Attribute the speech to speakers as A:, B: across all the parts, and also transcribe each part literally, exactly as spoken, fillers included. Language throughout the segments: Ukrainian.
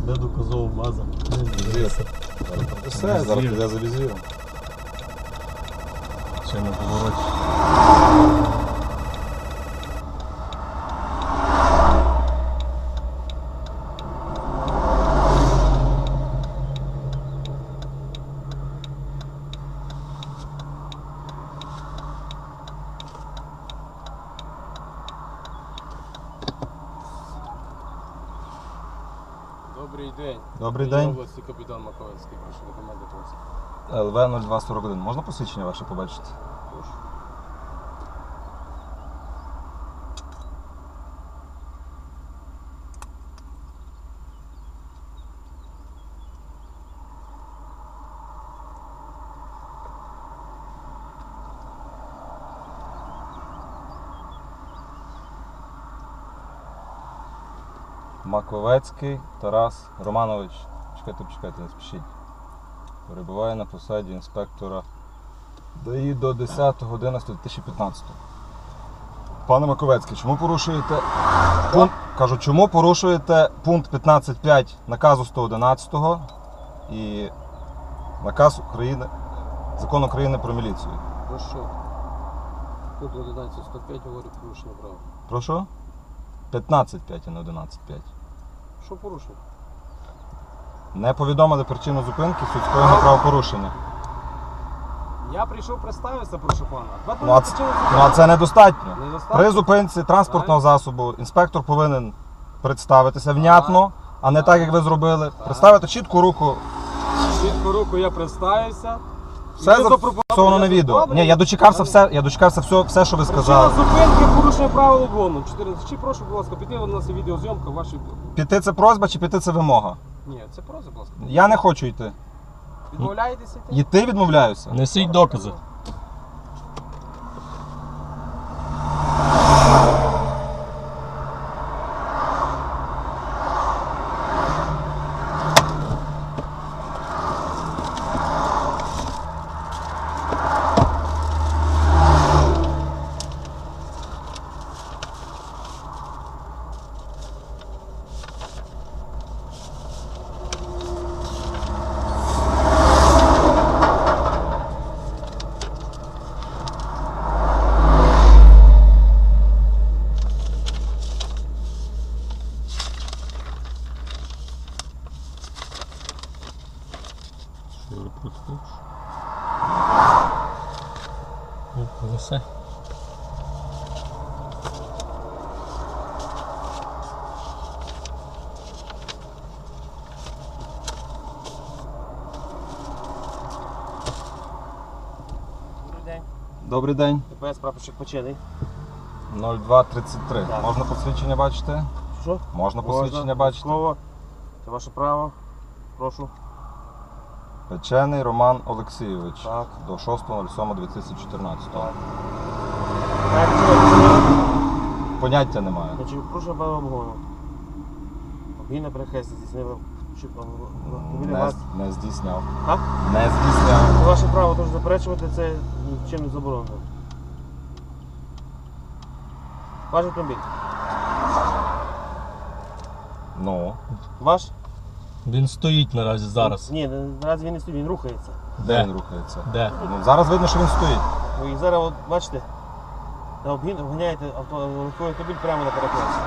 A: Де доказова база?
B: Все, зараз піде за візіром.
A: Ще на повороті.
C: Добрий день.
B: Добрий
C: День.
B: день.
C: Області, капітан Маковецький, прошу документи просить.
B: Л В нуль два сорок один. Можна посвідчення ваше побачити?
C: Прошу.
B: Маковецький Тарас Романович. Чекайте, почекайте, не спішіть. Перебуває на посаді інспектора Д А І до десятого одинадцятого дві тисячі п'ятнадцятого. Пане Маковецький, чому порушуєте пункт, кажу, чому порушуєте пункт п'ятнадцять п'ять наказу сто одинадцятого і наказ України, Закон України про міліцію?
C: Про що? Тут одинадцять сто п'ять говорить порушення права.
B: Про що? п'ятнадцять п'ять, а не одинадцять п'ять.
C: Що порушення?
B: Не повідомили причину зупинки в суд скоєного правопорушення.
C: Я прийшов представитися, прошу пана.
B: Ну а, це, ну, а це недостатньо.
C: Недостатньо?
B: При зупинці транспортного засобу інспектор повинен представитися внятно, а не так, як ви зробили. Представити чітку руку.
C: Чітко руку я представився.
B: Все зафіксовано на відео. Ні, я дочекався все, я дочекався все, все, що ви
C: Причина
B: сказали.
C: зупинки, порушення правил обгону. чотирнадцять. Чи прошу, будь ласка, піти, у нас є відеозйомка вашої...
B: Піти це просьба чи піти це вимога?
C: Ні, це просьба, будь ласка.
B: Я не хочу йти.
C: Відмовляєтеся йти?
B: Йти відмовляюся.
A: Несіть докази. Все.
C: Добрий день.
B: Добрий день.
C: ДПС прапорщик Почений.
B: нуль два тридцять три.
C: Так.
B: Можна посвідчення бачити?
C: Що?
B: Можна посвідчення бачити?
C: Слово. Це ваше право. Прошу.
B: Печений Роман Олексійович.
C: Так.
B: До шостого сьомого дві тисячі чотирнадцятого.
C: Так, чого?
B: Поняття немає.
C: Значить, прошу правил обгону. Обгін на перехресті здійснили.
B: Не, не здійсняв.
C: А?
B: Не здійсняв.
C: Це ваше право теж заперечувати, це нічим не заборонено. Ваш автомобіль.
B: Ну.
C: Ваш?
A: Він стоїть наразі зараз.
C: Ні, наразі він не стоїть, він рухається.
B: Де
A: Де?
B: він рухається?
A: Де?
B: Ну, зараз видно, що він стоїть.
C: Ви зараз, от, бачите, на обгін обганяєте авто, легковий автомобіль прямо на перехресті.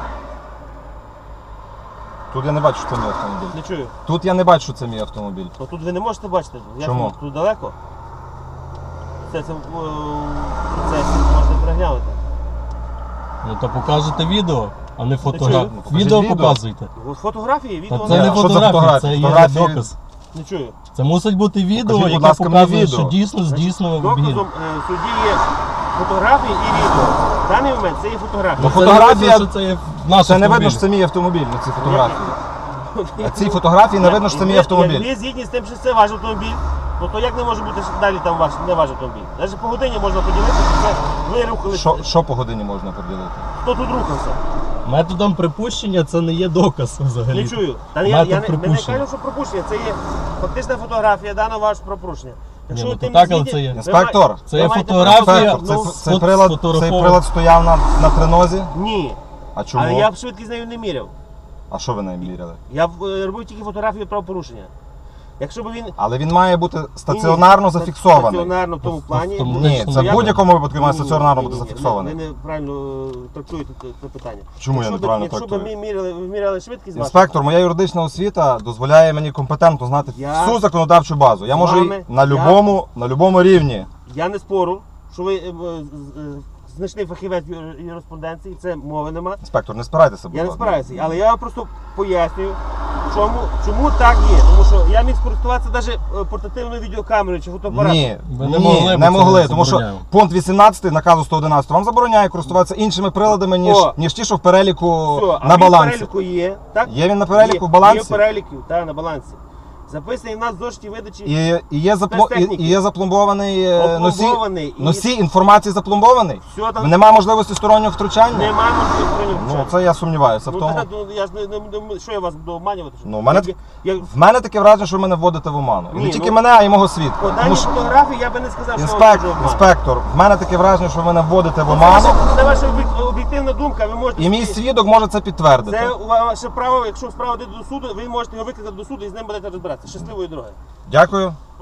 B: Тут я не бачу, що це мій автомобіль.
C: Не чую.
B: Тут я не бачу, що це мій автомобіль.
C: Ну, тут ви не можете бачити. Як
B: Чому?
C: Тут, тут далеко. Це, це, це можете переглянути.
A: Ну то покажете відео, а не
C: чую.
A: фотографію.
B: Ну, покажіть
A: Відео
B: відео.
A: показуйте.
C: От фотографії, відео
A: Та
B: Ні,
A: це
C: не
A: не
B: а що за
A: фотографія,
B: фотографії?
A: це є
B: Фотографії-
A: доказ.
C: Не чую.
A: Це мусить бути відео,
B: Покажіть, будь
A: яке
B: ласка, мені
A: показує,
B: відео.
A: що дійсно здійснено обгін.
C: Доказом е, в суді є фотографії і відео. В даний момент це є фотографії.
B: Ну,
A: Це не
B: фотографія-
A: видно, що це є наш
B: Це не видно,
A: автомобіль.
B: що це мій автомобіль на цій фотографії. На цій фотографії не видно, що це мій
C: Як ви-
B: автомобіль.
C: Як ви згідні з тим, що це ваш автомобіль, то, то як не може бути далі там ваш, не ваш автомобіль? Навіть по годині можна поділити, що це ви рухалися.
B: Що, що по годині можна поділити?
C: Хто тут рухався?
A: Методом припущення це не є доказ взагалі.
C: Не чую. Та я,
A: Метод
C: я, не, ми не
A: припущення.
C: кажемо, що пропущення. Це є фактична фотографія даного вашого пропущення. Якщо
A: Ні,
C: ви
A: ну,
C: тим
A: то так,
C: не
A: але
C: згідні,
A: це є.
C: ви
B: Інспектор,
C: має-
A: це
C: ви
A: є
C: маєте
A: фотографія.
C: право-
B: Інспектор,
C: Ну,
B: це, цей,
A: фот-
B: прилад, цей
A: сфотографований.
B: прилад стояв на, на тринозі?
C: Ні.
B: А чому?
C: Але я б швидкість з нею не міряв.
B: А що ви нею міряли?
C: Я е, робив тільки фотографію правопорушення. Якщо б він
B: Але він має бути стаціонарно зафіксований.
C: Стаціонарно в тому плані.
A: Тому-
B: Ні, це в
C: Я-
B: будь-якому випадку має
C: Ні, ні,
B: стаціонарно
C: ні,
B: бути
C: ні, ні.
B: зафіксований.
C: Ви неправильно е, трактуєте це- це питання.
B: Чому я
C: Якщо б-
B: неправильно
C: Якщо б
B: трактую?
C: ми міряли, ви міряли швидкість вашу,
B: Інспектор, моя юридична освіта дозволяє мені компетентно знати
C: Я-
B: всю законодавчу базу. Я
C: З
B: можу
C: вами-
B: і на
C: я-
B: любому, на любому рівні.
C: я не спору, що ви е, е, з- е, значний фахівець в юриспруденції, це мови нема.
B: Інспектор, не спирайтеся, будь
C: Я не
B: ласка.
C: справляюся, але я вам просто пояснюю, чому, чому так є. Тому що я міг скористуватися навіть портативною відеокамерою чи фотоапаратом.
B: Ні,
A: Ви не
B: ні,
A: могли, бо
B: не
A: це
B: могли, тому що
A: забороняємо.
B: пункт вісімнадцятий наказу сто одинадцять вам забороняє користуватися іншими приладами, ніж,
C: О.
B: ніж ті, що в переліку
C: Все, а
B: на
C: він в
B: балансі.
C: переліку є, так?
B: Є він на переліку
C: Є-
B: в балансі?
C: Є в переліку, так, на балансі. Записаний в нас в зошиті видачі.
B: І, і, є запло... і,
C: Спецтехніки.
B: і є запломбований е, носій,
C: Опломбований і-
B: носій інформації запломбований?
C: Все там
B: Немає можливості стороннього втручання?
C: немає можливості
B: Ну, це я сумніваюся в
C: Ну,
B: тому.
C: так, ну, я ж не, не, не- що я вас буду обманювати? що?
B: Ну, в мене
C: я, я,
B: В мене таке враження, що ви мене вводите в оману. І
C: Ні,
B: не тільки
C: ну,
B: мене, а й мого свідка.
C: по
B: Тому
C: даній
B: що,
C: фотографії я би не сказав, що я
B: інспектор,
C: вас обманюю.
B: інспектор, в мене таке враження, що ви мене вводите в
C: Це
B: оману,
C: ваша, це ваша об'єк- об'єктивна думка, ви можете...
B: і мій свідок може це підтвердити.
C: Це ваше право, якщо справа йде до суду, ви можете його викликати до суду і з ним будете розбиратися. Щасливої дороги.
B: Дякую.